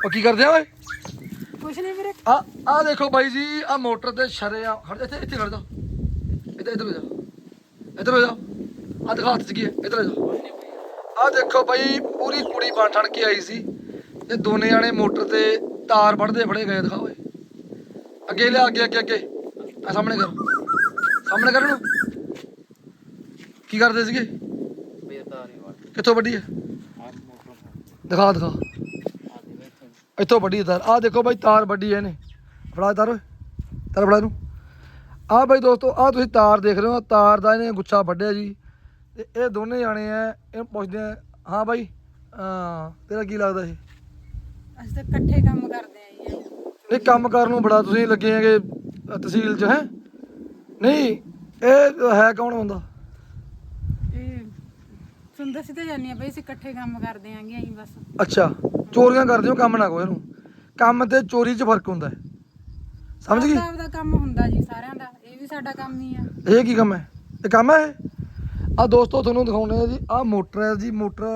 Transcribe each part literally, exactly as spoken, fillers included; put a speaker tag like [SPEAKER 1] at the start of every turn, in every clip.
[SPEAKER 1] ਉਹ ਕੀ ਕਰਦੇ ਆ ਓਏ?
[SPEAKER 2] ਕੁਛ ਨਹੀਂ ਵੀਰੇ।
[SPEAKER 1] ਆ ਆ ਦੇਖੋ ਬਾਈ ਜੀ, ਆ ਮੋਟਰ ਤੇ ਸ਼ਰੇ ਆ ਖੜ ਜਾ, ਇੱਥੇ ਇੱਥੇ ਖੜ ਜਾ, ਇੱਧਰ ਇੱਧਰ ਹੋ ਜਾ, ਇੱਧਰ ਹੋ ਜਾ, ਆ ਦਿਖਾ ਹੱਥ ਚ ਕੀ ਹੈ, ਇੱਧਰ ਹੋ ਜਾ। ਆ ਦੇਖੋ ਬਾਈ ਪੂਰੀ ਕੁੜੀ ਬਣ ਠਣ ਕੇ ਆਈ ਸੀ ਤੇ ਦੋਨੇ ਜਾਣੇ ਮੋਟਰ ਤੇ ਤਾਰ ਵੱਢਦੇ ਫੜੇ ਗਏ। ਦਿਖਾ ਓਏ, ਅੱਗੇ ਲਿਆ, ਅੱਗੇ ਅੱਗੇ ਅੱਗੇ, ਆ ਸਾਹਮਣੇ ਕਰ, ਸਾਹਮਣੇ ਕਰ ਨੂੰ। ਕੀ ਕਰਦੇ ਸੀਗੇ? ਕਿੱਥੋਂ ਵੱਢੀ ਹੈ? ਦਿਖਾ ਦਿਖਾ, ਇੱਥੋਂ ਵੱਢੀ ਤਾਰ। ਆਹ ਦੇਖੋ ਬਾਈ ਤਾਰ ਵੱਢੀ ਹੈ ਇਹਨੇ। ਫੜਾ ਤਾਰ ਓਏ, ਤਾਰ ਫੜਾ ਇਹਨੂੰ। ਆਹ ਬਾਈ ਦੋਸਤੋ, ਆਹ ਤੁਸੀਂ ਤਾਰ ਦੇਖ ਰਹੇ ਹੋ, ਤਾਰ ਦਾ ਇਹਨੇ ਗੁੱਛਾ ਵੱਢਿਆ ਜੀ। ਤੇ ਇਹ ਦੋਨੇ ਜਾਣੇ ਆ, ਇਹਨੂੰ ਪੁੱਛਦੇ ਆ। ਹਾਂ ਬਾਈ, ਹਾਂ ਤੇਰਾ ਕੀ ਲੱਗਦਾ ਇਹ?
[SPEAKER 2] ਅਸੀਂ ਤਾਂ ਇਕੱਠੇ ਕੰਮ ਕਰਦੇ ਆ ਜੀ।
[SPEAKER 1] ਨਹੀਂ ਕੰਮ ਕਰਨ ਨੂੰ ਬੜਾ ਤੁਸੀਂ ਲੱਗੇ ਹੈਗੇ ਤਹਿਸੀਲ 'ਚ, ਹੈ ਨਹੀਂ ਇਹ ਹੈ ਕੌਣ ਬੰਦਾ?
[SPEAKER 2] ਇਹ ਤੁਹਾਨੂੰ ਦੱਸੀ ਤਾਂ ਜਾਂਦੀ ਆ ਬਈ, ਅਸੀਂ ਇਕੱਠੇ ਕੰਮ ਕਰਦੇ ਆਂਗੇ ਅਸੀਂ ਬਸ।
[SPEAKER 1] ਅੱਛਾ, ਚੋਰੀਆਂ ਕਰਦੇ ਹੋ, ਕੰਮ ਨਾ ਕਹੋ ਇਹਨੂੰ। ਕੰਮ ਤੇ ਚੋਰੀ 'ਚ ਫਰਕ ਹੁੰਦਾ ਹੈ, ਸਮਝ ਗਈ?
[SPEAKER 2] ਆਪਦਾ ਕੰਮ ਹੁੰਦਾ ਜੀ ਸਾਰਿਆਂ ਦਾ, ਇਹ ਵੀ ਸਾਡਾ ਕੰਮ ਹੀ ਆ।
[SPEAKER 1] ਇਹ ਕੀ ਕੰਮ ਹੈ? ਇਹ ਕੰਮ ਹੈ ਇਹ? ਆਹ ਦੋਸਤੋ ਤੁਹਾਨੂੰ ਦਿਖਾਉਂਦੇ ਆ ਜੀ, ਆਹ ਮੋਟਰ ਹੈ ਜੀ। ਮੋਟਰ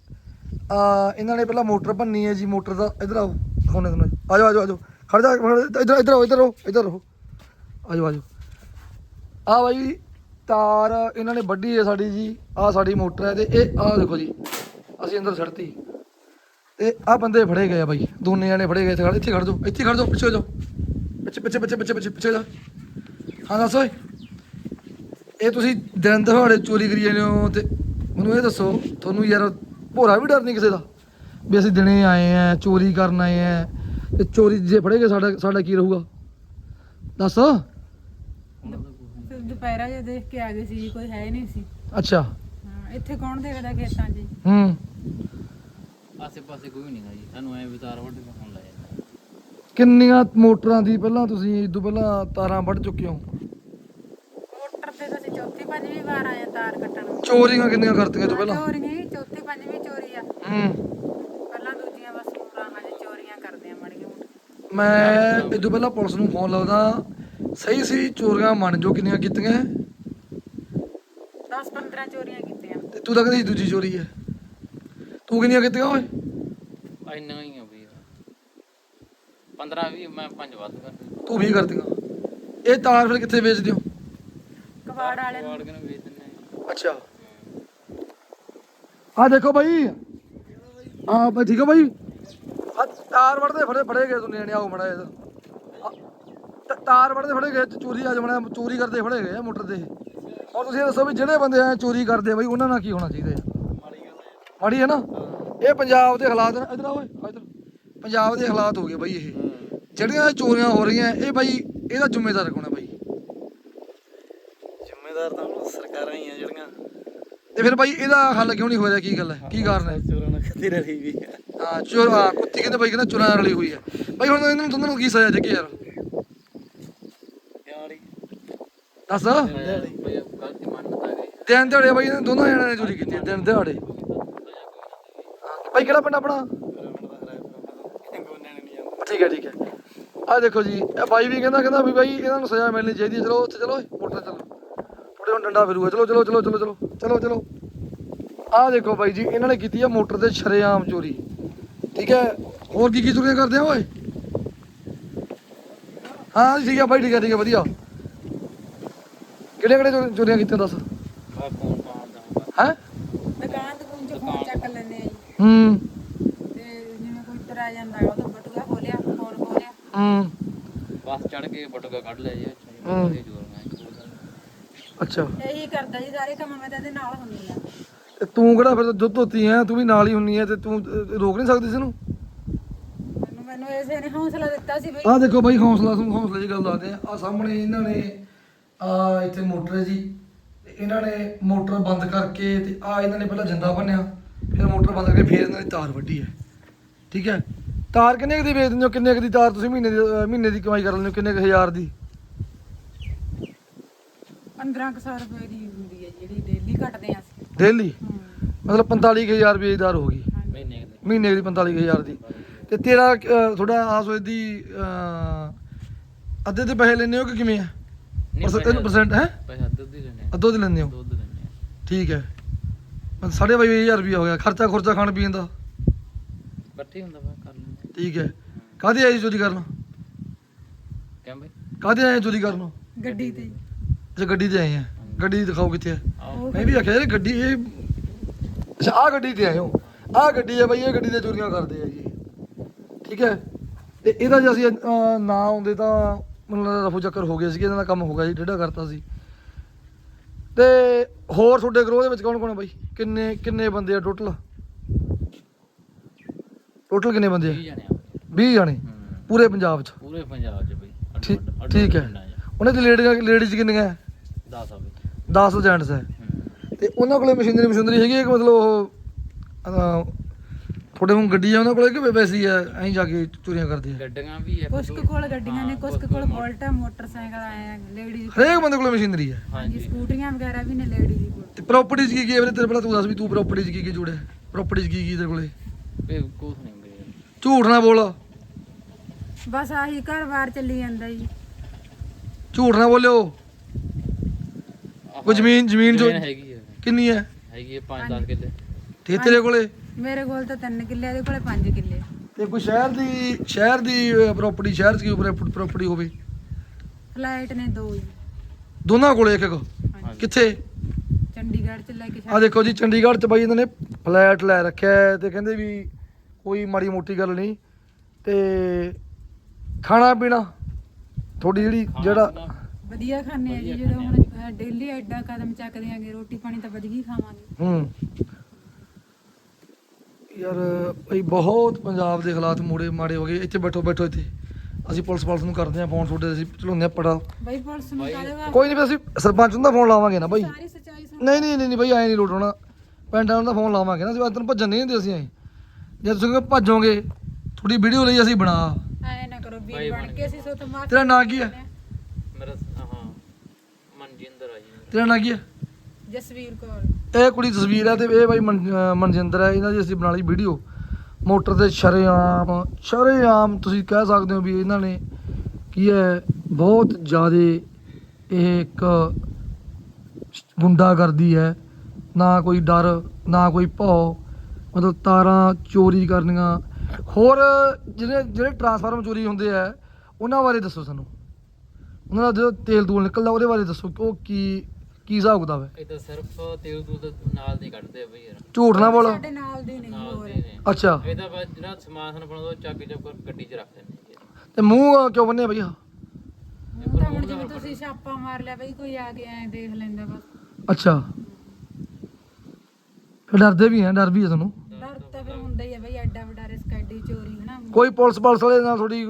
[SPEAKER 1] ਆ ਇਹਨਾਂ ਨੇ ਪਹਿਲਾਂ ਮੋਟਰ ਭੰਨੀ ਹੈ ਜੀ। ਮੋਟਰ ਦਾ ਇੱਧਰ ਆਓ, ਦਿਖਾਉਂਦੇ ਤੁਹਾਨੂੰ। ਆ ਜਾਓ ਆ ਜਾਓ ਆ ਜਾਓ, ਖੜ ਜਾ, ਇੱਧਰ ਇੱਧਰ ਆਓ, ਇੱਧਰ ਆਓ, ਇੱਧਰ ਰਹੋ, ਆ ਜਾਓ ਆ ਜਾਓ। ਆਹ ਬਾਈ ਤਾਰ ਇਹਨਾਂ ਨੇ ਵੱਢੀ ਹੈ ਸਾਡੀ ਜੀ। ਆਹ ਸਾਡੀ ਮੋਟਰ ਹੈ ਤੇ ਇਹ ਆਹ ਦੇਖੋ ਜੀ, ਅਸੀਂ ਅੰਦਰ ਛੱਡਤੀ ਤੇ ਆਹ ਬੰਦੇ ਫੜੇ ਗਏ ਆ ਬਾਈ, ਦੋਨੇ ਜਾਣੇ ਫੜੇ ਗਏ। ਇੱਥੇ ਖੜ, ਇੱਥੇ ਖੜ ਜਾਓ, ਇੱਥੇ ਖੜ ਜਾਓ, ਪਿੱਛੇ ਹੋ ਜਾਓ, ਪਿੱਛੇ ਪਿੱਛੇ ਪਿੱਛੇ ਪਿੱਛੇ ਪਿੱਛੇ ਪਿੱਛੇ ਜਾ। ਹਾਂ ਦੱਸ ਓਏ, ਇਹ ਤੁਸੀਂ ਦਿਨ ਦਿਹਾੜੇ ਚੋਰੀ ਕਰੀ ਜਾਂਦੇ ਹੋ ਤੇ ਮੈਨੂੰ ਇਹ ਦੱਸੋ, ਤੁਹਾਨੂੰ ਯਾਰ ਭੋਰਾ ਵੀ ਡਰ ਨਹੀਂ ਕਿਸੇ ਦਾ ਵੀ ਅਸੀਂ ਦਿਨੇ ਆਏ ਆ ਚੋਰੀ ਕਰਨ ਆਏ ਆ ਤੇ ਚੋਰੀ ਜੇ ਫੜੇ ਗਏ ਸਾਡਾ ਸਾਡਾ ਕੀ ਰਹੂਗਾ ਦੱਸ?
[SPEAKER 2] ਫਿਰ ਦੁਪਹਿਰਾ ਜੇ ਦੇਖ ਕੇ ਆ ਗਏ ਸੀ, ਕੋਈ ਹੈ ਨਹੀਂ ਸੀ।
[SPEAKER 1] ਅੱਛਾ,
[SPEAKER 2] ਹਾਂ, ਇੱਥੇ ਕੌਣ ਦੇਖਦਾ ਖੇਤਾਂ 'ਚ?
[SPEAKER 1] ਹੂੰ,
[SPEAKER 3] ਆਸੇ ਪਾਸੇ ਕੋਈ ਨਹੀਂ ਗਾ ਜੀ, ਸਾਨੂੰ ਐ ਵਿਚਾਰ ਵੱਢ ਕੇ ਫੋਨ ਲਾਇਆ।
[SPEAKER 1] ਕਿੰਨੀਆਂ ਮੋਟਰਾਂ ਦੀ ਪਹਿਲਾਂ ਤੁਸੀਂ ਇਦੋਂ ਪਹਿਲਾਂ ਤਾਰਾਂ ਵੱਢ ਚੁੱਕੇ ਹੋ?
[SPEAKER 2] ਮੋਟਰ ਤੇ ਤਾਂ ਅਸੀਂ ਚੌਥੀ ਪੰਜਵੀਂ ਵਾਰ ਆਏ ਆ ਤਾਰ ਕੱਟਣ ਨੂੰ।
[SPEAKER 1] ਚੋਰੀਆਂ ਕਿੰਨੀਆਂ ਕਰਤੀਆਂ ਤੋਂ ਪਹਿਲਾਂ?
[SPEAKER 2] ਚੋਰੀਆਂ ਹੀ ਚੌਥੀ ਪੰਜਵੀਂ ਚੋਰੀ ਆ।
[SPEAKER 1] ਹੂੰ,
[SPEAKER 2] ਪਹਿਲਾਂ ਦੂਜੀਆਂ ਬਸ ਰਾਹਾਂ 'ਚ ਚੋਰੀਆਂ ਕਰਦੇ ਆ ਮਾੜੀਆਂ ਮੋਟੀਆਂ।
[SPEAKER 1] ਮੈਂ ਇਦੋਂ ਪਹਿਲਾਂ ਪੁਲਿਸ ਨੂੰ ਫੋਨ ਲਾਉਂਦਾ, ਸਹੀ ਸੀ ਚੋਰੀਆਂ ਮੰਨ ਜੋ ਕਿੰਨੀਆਂ ਕੀਤੀਆਂ?
[SPEAKER 2] ਦਸ ਪੰਦਰਾਂ ਚੋਰੀਆਂ ਕੀਤੀਆਂ।
[SPEAKER 1] ਤੇ ਤੂੰ ਤਾਂ ਕਹਿੰਦੀ ਦੂਜੀ ਚੋਰੀ ਹੈ, ਤੂੰ ਕਿੰਨੀਆਂ ਕੀਤੀਆਂ ਓਏ?
[SPEAKER 3] ਇੰਨਾ ਹੀ ਆ ਬਈ, ਪੰਦਰਾਂ ਵੀਹ, ਮੈਂ ਪੰਜ ਵੱਧ ਕਰ।
[SPEAKER 1] ਤੂੰ ਵੀ ਕਰਤੀਆਂ। ਇਹ ਤਾਰ ਫਿਰ ਕਿੱਥੇ ਵੇਚਦੇ ਹੋ?
[SPEAKER 2] ਕਬਾੜ ਵਾਲੇ ਨੂੰ।
[SPEAKER 3] ਵਾੜ ਕੇ ਨੂੰ ਵੇਚ ਦਿੰਦੇ ਆ।
[SPEAKER 1] ਅੱਛਾ, ਆ ਦੇਖੋ ਬਾਈ, ਆ ਬਈ ਠੀਕ ਹੈ ਬਾਈ, ਆ ਤਾਰ ਵੜਦੇ ਫੜੇ ਫੜੇ ਗਏ ਦੁਨੀਆ ਨੇ। ਆਓ ਮੜਾ ਇਹਦਾ ਤਾਰ ਵੜਦੇ ਫੜੇ ਗਏ, ਚੋਰੀ ਅੱਜ ਬਣਾ ਚੋਰੀ ਕਰਦੇ ਫੜੇ ਗਏ ਆ ਮੋਟਰ ਤੇ। ਔਰ ਤੁਸੀਂ ਇਹ ਦੱਸੋ ਵੀ ਜਿਹੜੇ ਬੰਦੇ ਆ ਚੋਰੀ ਕਰਦੇ ਆ ਬਾਈ, ਉਹਨਾਂ ਨਾਲ ਕੀ ਹੋਣਾ ਚਾਹੀਦਾ ਹੈ? ਮਾੜੀ ਹੈ ਨਾ। ਇਹ ਪੰਜਾਬ ਦੇ ਹਾਲਾਤ ਨੇ। ਇੱਧਰ ਆਓ ਇੱਧਰ, ਪੰਜਾਬ ਦੇ ਹਾਲਾਤ ਹੋ ਗਏ ਬਾਈ। ਇਹ ਜਿਹੜੀਆਂ ਇਹ ਚੋਰੀਆਂ ਹੋ ਰਹੀਆਂ, ਇਹ ਬਾਈ ਇਹਦਾ ਜ਼ਿੰਮੇਦਾਰ ਕੌਣ ਹੈ ਬਾਈ?
[SPEAKER 3] ਜ਼ਿੰਮੇਦਾਰ ਤਾਂ ਹੁਣ ਸਰਕਾਰਾਂ ਹੀ ਆ ਜਿਹੜੀਆਂ।
[SPEAKER 1] ਤੇ ਫਿਰ ਬਾਈ ਇਹਦਾ ਹੱਲ ਕਿਉਂ ਨਹੀਂ ਹੋ ਰਿਹਾ? ਕੀ ਗੱਲ ਹੈ, ਕੀ ਕਾਰਨ ਹੈ?
[SPEAKER 3] ਚੋਰਾਂ ਨਾਲ ਖਤੀ ਰਹੀ ਵੀ ਆ।
[SPEAKER 1] ਹਾਂ ਚੋਰ, ਹਾਂ ਕੁੱਤੀ ਕਹਿੰਦੇ ਬਾਈ, ਕਹਿੰਦਾ ਚੋਰਾਂ ਨਾਲ ਰਲੀ ਹੋਈ ਹੈ ਬਾਈ। ਹੁਣ ਇਹਨਾਂ ਨੂੰ ਦੋਨਾਂ ਨੂੰ ਕੀ ਸਜ਼ਾ ਦੇ ਕੇ ਯਾਰ
[SPEAKER 3] ਯਾਰ
[SPEAKER 1] ਦੱਸ?
[SPEAKER 3] ਬਈ ਗਲਤੀ ਮੰਨਦਾ ਗਈ।
[SPEAKER 1] ਦਿਨ ਦਿਹਾੜੇ ਬਾਈ ਇਹਨਾਂ ਦੋਨਾਂ ਜਣਿਆਂ ਨੇ ਚੋਰੀ ਕੀਤੀ ਹੈ, ਦਿਨ ਦਿਹਾੜੇ। ਬਾਈ ਕਿਹੜਾ ਪਿੰਡ ਆਪਣਾ? ਠੀਕ ਹੈ ਠੀਕ ਹੈ। ਆਹ ਦੇਖੋ ਜੀ, ਇਹ ਬਾਈ ਵੀ ਕਹਿੰਦਾ ਕਹਿੰਦਾ ਵੀ ਬਾਈ ਇਹਨਾਂ ਨੂੰ ਸਜ਼ਾ ਮਿਲਣੀ ਚਾਹੀਦੀ ਹੈ। ਚਲੋ ਉੱਥੇ ਚਲੋ, ਮੋਟਰ ਚਲੋ, ਥੋੜੇ ਹੁਣ ਡੰਡਾ ਫਿਰੂਗਾ। ਚਲੋ ਚਲੋ ਚਲੋ ਚਲੋ ਚਲੋ ਚਲੋ ਚਲੋ। ਆਹ ਦੇਖੋ ਬਾਈ ਜੀ, ਇਹਨਾਂ ਨੇ ਕੀਤੀ ਆ ਮੋਟਰ ਤੇ ਸ਼ਰੇਆਮ ਚੋਰੀ। ਠੀਕ ਹੈ, ਹੋਰ ਕੀ ਕੀ ਚੋਰੀਆਂ ਕਰਦੇ ਆ ਓਏ? ਹਾਂ ਠੀਕ ਹੈ ਬਾਈ, ਠੀਕ ਹੈ ਠੀਕ ਹੈ, ਵਧੀਆ। ਕਿਹੜੇ ਕਿਹੜੇ ਚੋਰੀਆਂ ਕੀਤੀਆਂ ਦੱਸ?
[SPEAKER 3] ਆ ਕੌਣ ਪਾਉਂਦਾ?
[SPEAKER 1] ਹੈ
[SPEAKER 2] ਦੁਕਾਨ ਦੁਕਾਨ 'ਚ ਫੋਨ ਚੱਕ ਲੈਂਦੇ ਆ ਜੀ।
[SPEAKER 1] ਹੂੰ,
[SPEAKER 2] ਤੇ ਜਿਵੇਂ ਕੋਈ ਤੁਰਿਆ ਜਾਂਦਾ ਹੈ, ਉਹਦਾ ਬਟੂਆ ਖੋਲਿਆ, ਫੋਨ ਖੋਲਿਆ।
[SPEAKER 1] ਹੂੰ,
[SPEAKER 3] ਬਸ ਚੜ ਕੇ ਬਟੂਆ ਕੱਢ ਲਿਆ ਜੀ।
[SPEAKER 1] ਹੂੰ।
[SPEAKER 3] ਅੱਛਾ ਜੋਰ ਮੈਂ
[SPEAKER 1] ਅੱਛਾ।
[SPEAKER 2] ਇਹੀ ਕਰਦਾ ਜੀ ਸਾਰੇ ਕੰਮ। ਮੈਂ ਤਾਂ ਇਹਦੇ ਨਾਲ ਹੁੰਦੀ ਆ।
[SPEAKER 1] ਤੇ ਤੂੰ ਕਿਹੜਾ ਫਿਰ ਦੁੱਧ ਧੋਤੀ ਹੈ, ਤੂੰ ਵੀ ਨਾਲ ਹੀ ਹੁੰਨੀ ਹੈ ਤੇ ਤੂੰ ਅਹ, ਰੋਕ ਨਹੀਂ ਸਕਦੀ ਇਸ ਨੂੰ?
[SPEAKER 2] ਮੈਨੂੰ ਮੈਨੂੰ ਇਸੇ ਨੇ ਹੌਸਲਾ ਦਿੱਤਾ ਸੀ ਬਈ।
[SPEAKER 1] ਆਹ ਦੇਖੋ ਬਾਈ, ਹੌਸਲਾ ਤੁਹਾਨੂੰ ਹੌਸਲੇ ਦੀ ਗੱਲ ਦੱਸਦੇ ਆ। ਆਹ ਸਾਹਮਣੇ ਇਹਨਾਂ ਨੇ ਆ ਇੱਥੇ ਮੋਟਰ ਹੈ ਜੀ, ਤੇ ਇਹਨਾਂ ਨੇ ਮੋਟਰ ਬੰਦ ਕਰਕੇ ਤੇ ਆ ਇਹਨਾਂ ਨੇ ਪਹਿਲਾਂ ਜਿੰਦਾ ਭੰਨਿਆ, ਫਿਰ ਮੋਟਰ ਬੰਦ ਕਰਕੇ ਫਿਰ ਇਹਨਾਂ ਦੀ ਤਾਰ ਵੱਢੀ ਹੈ। ਠੀਕ ਹੈ, ਤਾਰ ਕਿੰਨੇ ਕੁ ਦੀ ਵੇਚ ਦਿੰਦੇ ਹੋ? ਕਿੰਨੇ ਕੁ ਦੀ ਤਾਰ ਤੁਸੀਂ ਮਹੀਨੇ ਦੀ ਅਹ, ਮਹੀਨੇ ਦੀ ਕਮਾਈ ਕਰ ਲੈਂਦੇ ਹੋ? ਕਿੰਨੇ ਕੁ ਹਜ਼ਾਰ ਦੀ?
[SPEAKER 2] ਪੰਦਰਾਂ ਕੁ ਸੌ ਰੁਪਏ ਦੀ ਹੁੰਦੀ ਹੈ ਜਿਹੜੀ ਡੇਲੀ ਕੱਟਦੇ ਆ ਅਸੀਂ।
[SPEAKER 1] ਡੇਲੀ?
[SPEAKER 2] ਹੂੰ।
[SPEAKER 1] ਮਤਲਬ ਪੰਤਾਲੀ ਕੁ ਹਜ਼ਾਰ ਰੁਪਏ ਦੀ ਤਾਰ ਹੋ ਗਈ
[SPEAKER 3] ਮਹੀਨੇ ਦੇ।
[SPEAKER 1] ਮਹੀਨੇ ਦੀ, ਪੰਤਾਲੀ ਕੁ ਹਜ਼ਾਰ ਦੀ। ਤੇ ਤੇਰਾ ਅਹ, ਤੁਹਾਡਾ ਆਸ ਹੋਏ ਦੀ ਅਹ, ਅੱਧੇ ਦੇ ਪੈਸੇ ਲੈਂਦੇ ਹੋ ਕਿ ਕਿਵੇਂ ਆ? ਤਿੰਨ ਪਰਸੈਂਟ ਹੈ?
[SPEAKER 3] ਪੈਸਾ ਦੁੱਧ ਹੀ ਲੈਣੇ ਆ।
[SPEAKER 1] ਅੱਧੋ ਦੀ ਲੈਂਦੇ ਹੋ?
[SPEAKER 3] ਦੁੱਧ ਲੈਣੇ ਆ।
[SPEAKER 1] ਠੀਕ ਹੈ, ਸਾਢੇ ਬਾਈ ਹਜ਼ਾਰ ਰੁਪਇਆ ਹੋ ਗਿਆ। ਖਰਚਾ ਖੁਰਚਾ ਖਾਣ ਪੀਣ ਦਾ
[SPEAKER 3] ਇਕੱਠੇ ਹੁੰਦਾ ਵਾ ਕਰ ਲੈਂਦੇ।
[SPEAKER 1] ਠੀਕ ਹੈ। ਕਾਹਦੇ ਆਏ ਸੀ ਚੋਰੀ ਕਰਨ?
[SPEAKER 3] ਕਿਉਂ ਬਈ?
[SPEAKER 1] ਕਾਹਦੇ ਆਏ ਚੋਰੀ ਕਰਨ?
[SPEAKER 2] ਗੱਡੀ ਤੇ
[SPEAKER 1] ਅੱਛਾ ਗੱਡੀ ਤੇ ਆਏ ਆ। ਗੱਡੀ ਦਿਖਾਓ ਕਿੱਥੇ ਹੈ?
[SPEAKER 3] ਆਓ
[SPEAKER 1] ਮੈਂ ਵੀ ਆਖਿਆ ਯਾਰ ਗੱਡੀ ਇਹ ਅੱਛਾ ਆਹ ਗੱਡੀ ਤੇ ਆਏ ਹੋ। ਆਹ ਗੱਡੀ ਹੈ ਬਾਈ, ਇਹ ਗੱਡੀ ਤੇ ਚੋਰੀਆਂ ਕਰਦੇ ਆ ਜੀ। ਠੀਕ ਹੈ। ਤੇ ਇਹਦਾ ਜੇ ਅਸੀਂ ਅਹ, ਨਾ ਆਉਂਦੇ ਤਾਂ ਮੈਨੂੰ ਲੱਗਦਾ ਰਫੂ ਚੱਕਰ ਹੋ ਗਿਆ ਸੀ, ਇਹਨਾਂ ਦਾ ਕੰਮ ਹੋ ਗਿਆ ਜੀ, ਡੇਢਾ ਕਰਤਾ ਸੀ। ਤੇ ਹੋਰ ਤੁਹਾਡੇ ਗਰੋਹ ਦੇ ਵਿੱਚ ਕੌਣ ਕੌਣ ਹੈ ਬਾਈ? ਕਿੰਨੇ ਕਿੰਨੇ ਬੰਦੇ ਆ ਟੋਟਲ? ਟੋਟਲ ਕਿੰਨੇ ਬੰਦੇ ਆ?
[SPEAKER 3] ਵੀਹ ਜਾਣੇ ਆ
[SPEAKER 1] ਵੀਹ ਜਾਣੇ
[SPEAKER 3] ਹੂੰ।
[SPEAKER 1] ਪੂਰੇ ਪੰਜਾਬ 'ਚ?
[SPEAKER 3] ਪੂਰੇ ਪੰਜਾਬ 'ਚ ਬਈ। ਅੱਡ-
[SPEAKER 1] ਠੀਕ
[SPEAKER 3] ਅੱਡ- ਅੱਡ-
[SPEAKER 1] ਠੀਕ ਹੈ।
[SPEAKER 3] ਪਿੰਡਾਂ 'ਚ।
[SPEAKER 1] ਉਹਨਾਂ ਦੀ ਲੇਡੀਜ਼ ਲੇਡੀਜ਼ ਕਿੰਨੀਆਂ ਹੈ?
[SPEAKER 3] ਦਸ ਆ ਬਈ।
[SPEAKER 1] ਦਸ ਜੈਂਟਸ ਹੈ।
[SPEAKER 3] ਹੂੰ।
[SPEAKER 1] ਤੇ ਉਹਨਾਂ ਕੋਲੇ ਮਸ਼ੀਨਰੀ ਮਸ਼ੀਨਰੀ ਹੈਗੀ ਹੈ ਕਿ ਮਤਲਬ ਉਹ ਅਹ, ਤੁਹਾਡੇ ਹੁਣ ਗੱਡੀ ਆ ਉਹਨਾਂ ਕੋਲੇ ਕਿ ਵੈਸੇ ਹੀ ਆ ਐਂ ਜਾ ਕੇ ਚੋਰੀਆਂ ਕਰਦੇ ਆ?
[SPEAKER 3] ਗੱਡੀਆਂ ਵੀ ਹੈ
[SPEAKER 2] ਕੁਛ ਕੁ ਕੋਲ ਗੱਡੀਆਂ ਨੇ, ਕੁਛ ਕੁ ਕੋਲ ਬੋਲਟ ਆ, ਮੋਟਰਸਾਈਕਲ ਆਏ ਆ, ਲੇਡੀਜ਼
[SPEAKER 1] ਹਰੇਕ ਬੰਦੇ ਕੋਲੇ ਮਸ਼ੀਨਰੀ ਹੈ।
[SPEAKER 2] ਹਾਂਜੀ
[SPEAKER 3] ਹਾਂਜੀ।
[SPEAKER 2] ਸਕੂਟਰੀਆਂ ਵਗੈਰਾ ਵੀ ਨੇ ਲੇਡੀਜ਼ ਕੋਲ।
[SPEAKER 1] ਤੇ ਪ੍ਰਾਪਰਟੀਜ਼ ਕੀ ਕੀ ਹੈ ਵੀਰੇ ਤੇਰੇ? ਪਹਿਲਾਂ ਤੂੰ ਦੱਸ ਵੀ ਤੂੰ ਪ੍ਰਾਪਰਟੀਜ਼ ਕੀ ਕੀ ਜੁੜਿਆ? ਪ੍ਰਾਪਰਟੀਜ਼ ਕੀ ਕੀ ਤੇਰੇ ਕੋਲੇ?
[SPEAKER 3] ਬਈ ਕੁਛ ਨਹੀਂ ਬਈ।
[SPEAKER 1] ਝੂਠ ਨਾ ਬੋਲ,
[SPEAKER 2] ਬਸ ਆਹੀ ਘਰ-ਬਾਰ ਚੱਲੀ ਜਾਂਦਾ ਜੀ।
[SPEAKER 1] ਝੂਠ ਨਾ ਬੋਲਿਓ। ਕੋਈ ਜ਼ਮੀਨ ਜ਼ਮੀਨ ਜੋ
[SPEAKER 3] ਜ਼ਮੀਨ ਹੈਗੀ ਹੈ
[SPEAKER 1] ਕਿੰਨੀ ਹੈ?
[SPEAKER 3] ਹੈਗੀ ਹੈ ਪੰਜ ਦਸ ਕਿੱਲੇ।
[SPEAKER 1] ਤੇ ਤੇਰੇ ਕੋਲੇ?
[SPEAKER 2] ਮੇਰੇ ਕੋਲ ਤਾਂ ਤਿੰਨ ਕਿੱਲੇ, ਇਹਦੇ ਕੋਲੇ ਪੰਜ ਕਿੱਲੇ।
[SPEAKER 1] ਤੇ ਕੋਈ ਸ਼ਹਿਰ ਦੀ ਸ਼ਹਿਰ ਦੀ ਪ੍ਰਾਪਰਟੀ ਸ਼ਹਿਰ 'ਚ ਕੀ ਪ੍ਰਾਪਰਟੀ ਹੋਵੇ?
[SPEAKER 2] ਫਲਾਈਟ ਨੇ ਦੋ ਜੀ।
[SPEAKER 1] ਦੋਨਾਂ ਕੋਲੇ ਇੱਕ ਇੱਕ?
[SPEAKER 2] ਹਾਂਜੀ
[SPEAKER 1] ਕਿੱਥੇ?
[SPEAKER 2] ਚੰਡੀਗੜ੍ਹ ਚ ਲੈ ਕੇ
[SPEAKER 1] ਆ ਦੇਖੋ ਜੀ ਚੰਡੀਗੜ੍ਹ 'ਚ ਬਾਈ ਇਹਨਾਂ ਨੇ ਫਲੈਟ ਲੈ ਰੱਖਿਆ ਹੈ ਤੇ ਕਹਿੰਦੇ ਵੀ ਕੋਈ ਮਾੜੀ ਮੋਟੀ ਗੱਲ ਨਹੀਂ। ਤੇ ਖਾਣਾ ਪੀਣਾ ਤੁਹਾਡੀ ਜਿਹੜੀ ਜਿਹੜਾ
[SPEAKER 2] ਵਧੀਆ ਖਾਣੇ ਆ ਜੀ। ਜਦੋਂ ਹੁਣ ਡੇਲੀ ਐਡਾ ਕਦਮ ਚੱਕਦੇ ਆਂਗੇ, ਰੋਟੀ ਪਾਣੀ ਤਾਂ ਵਧੀਆ ਹੀ ਖਾਵਾਂਗੇ।
[SPEAKER 1] ਹੂੰ ਯਾਰ ਭਾਈ ਬਹੁਤ ਪੰਜਾਬ ਦੇ ਹਾਲਾਤ ਮੋੜੇ ਮਾੜੇ ਹੋ ਗਏ। ਇੱਥੇ ਬੈਠੋ ਬੈਠੋ ਇੱਥੇ ਅਸੀਂ ਪੁਲਿਸ ਪੁਲਿਸ ਨੂੰ ਕਰਦੇ ਹਾਂ ਫੋਨ, ਤੁਹਾਡੇ ਅਸੀਂ ਚਲਾਉਂਦੇ ਹਾਂ ਪੜਾ।
[SPEAKER 2] ਬਈ ਪੁਲਿਸ ਨੂੰ ਕਾਹਦੇ ਵਾ
[SPEAKER 1] ਕੋਈ ਨਹੀਂ ਅਸੀਂ ਸਰਪੰਚ ਨੂੰ ਤਾਂ ਫੋਨ ਲਾਵਾਂਗੇ ਨਾ ਬਾਈ।
[SPEAKER 2] ਸਾਰੀ ਸੱਚਾਈ ਸੁਣ।
[SPEAKER 1] ਨਹੀਂ ਨਹੀਂ ਨਹੀਂ ਨਹੀਂ ਬਾਈ ਐਂ ਨਹੀਂ ਲੋਟ ਹੋਣਾ। ਪਿੰਡਾਂ ਨੂੰ ਤਾਂ ਫੋਨ ਲਾਵਾਂਗੇ ਨਾ। ਅਸੀਂ ਤੈਨੂੰ ਭੱਜਣ ਨਹੀਂ ਦਿੰਦੇ ਅਸੀਂ ਐਂ। ਜੇ ਤੁਸੀਂ ਕਹਿੰਦੇ ਭੱਜੋਗੇ ਤੁਹਾਡੀ ਵੀਡੀਓ ਲਈ ਅਸੀਂ ਬਣਾ।
[SPEAKER 2] ਐ ਨਾ ਕਰੋ ਵੀਰ ਬਣ ਕੇ, ਅਸੀਂ ਸੋਤ ਮਾਰ।
[SPEAKER 1] ਤੇਰਾ ਨਾਂ ਕੀ ਹੈ?
[SPEAKER 3] ਮੇਰਾ ਹਾਂ ਮਨਜਿੰਦਰ ਆ ਜੀ।
[SPEAKER 1] ਤੇਰਾ ਨਾਂ ਕੀ ਹੈ?
[SPEAKER 2] ਜਸਵੀਰ ਕੌਰ।
[SPEAKER 1] ਇਹ ਕੁੜੀ ਤਸਵੀਰ ਹੈ ਤੇ ਇਹ ਬਾਈ ਮਨ- ਅਹ ਮਨਜਿੰਦਰ ਹੈ। ਇਹਨਾਂ ਦੀ ਅਸੀਂ ਬਣਾ ਲਈ ਵੀਡੀਓ ਮੋਟਰ ਤੇ ਸ਼ਰੇਆਮ ਸ਼ਰੇਆਮ ਤੁਸੀਂ ਕਹਿ ਸਕਦੇ ਹੋ ਵੀ ਇਹਨਾਂ ਨੇ ਕੀ ਹੈ ਬਹੁਤ ਜ਼ਿਆਦਾ ਇਹ ਇੱਕ ਗੁੰਡਾਗਰਦੀ ਹੈ। ਨਾ ਕੋਈ ਡਰ ਨਾ ਕੋਈ ਭੌ, ਮਤਲਬ ਤਾਰਾਂ ਚੋਰੀ ਕਰਨੀਆਂ। ਹੋਰ ਜਿਹੜੇ ਜਿਹੜੇ ਟਰਾਂਸਫਾਰਮਰ ਚੋਰੀ ਹੁੰਦੇ ਆ ਉਹਨਾਂ ਬਾਰੇ ਦੱਸੋ ਸਾਨੂੰ। ਉਹਨਾਂ ਦਾ ਜਦੋਂ ਤੇਲ ਤੂਲ ਨਿਕਲਦਾ ਉਹਦੇ ਬਾਰੇ ਦੱਸੋ ਕਿ ਉਹ ਕੀ ਕੀ ਹਿਸਾਬ ਕਿਤਾਬ ਹੈ?
[SPEAKER 3] ਇਹ ਤਾਂ ਸਿਰਫ ਤੇਲ ਤੂਲ ਦੇ ਨਾਲ ਨਹੀਂ ਕੱਢਦੇ ਆ ਬਈ ਯਾਰ।
[SPEAKER 1] ਝੂਠ ਨਾ ਬੋਲ।
[SPEAKER 2] ਸਾਡੇ ਨਾਲ ਦੀ ਨਹੀਂ
[SPEAKER 3] ਨਾਲ
[SPEAKER 2] ਹੋਰ।
[SPEAKER 3] ਦੇ ਨੇ।
[SPEAKER 1] ਅੱਛਾ
[SPEAKER 3] ਇਹਦਾ ਬਸ ਜਿਹੜਾ ਸਮਾਨ ਸਾਨੂੰ ਬਣਾਉਂਦਾ ਉਹ ਚੱਕ ਚੱਕ ਕੇ ਗੱਡੀ 'ਚ ਰੱਖ ਦਿੰਦੇ ਜੀ।
[SPEAKER 1] ਤੇ ਮੂੰਹ ਕਿਉਂ ਬੰਨਿਆ ਭਈਆ?
[SPEAKER 2] ਹੁਣ ਤਾਂ ਹੁਣ ਜਿਵੇਂ ਤੁਸੀਂ ਛਾਪਾ ਮਾਰ ਲਿਆ ਬਈ, ਕੋਈ ਆ ਕੇ ਐ ਦੇਖ ਲੈਂਦਾ ਬਸ।
[SPEAKER 1] ਅੱਛਾ ਫਿਰ ਡਰਦੇ ਵੀ ਹੈ? ਡਰ ਵੀ ਹੈ ਤੁਹਾਨੂੰ?
[SPEAKER 2] ਡਰ ਤਾਂ ਫਿਰ ਹੁੰਦਾ ਹੀ ਆ ਬਈ, ਐਡਾ ਵੱਡਾ ਰਿਸਕ, ਐਡੀ ਚੋਰੀ ਹਨਾ।
[SPEAKER 1] ਕੋਈ ਪੁਲਿਸ ਪੁਲਿਸ ਵਾਲੇ ਨਾਲ ਥੋੜੀ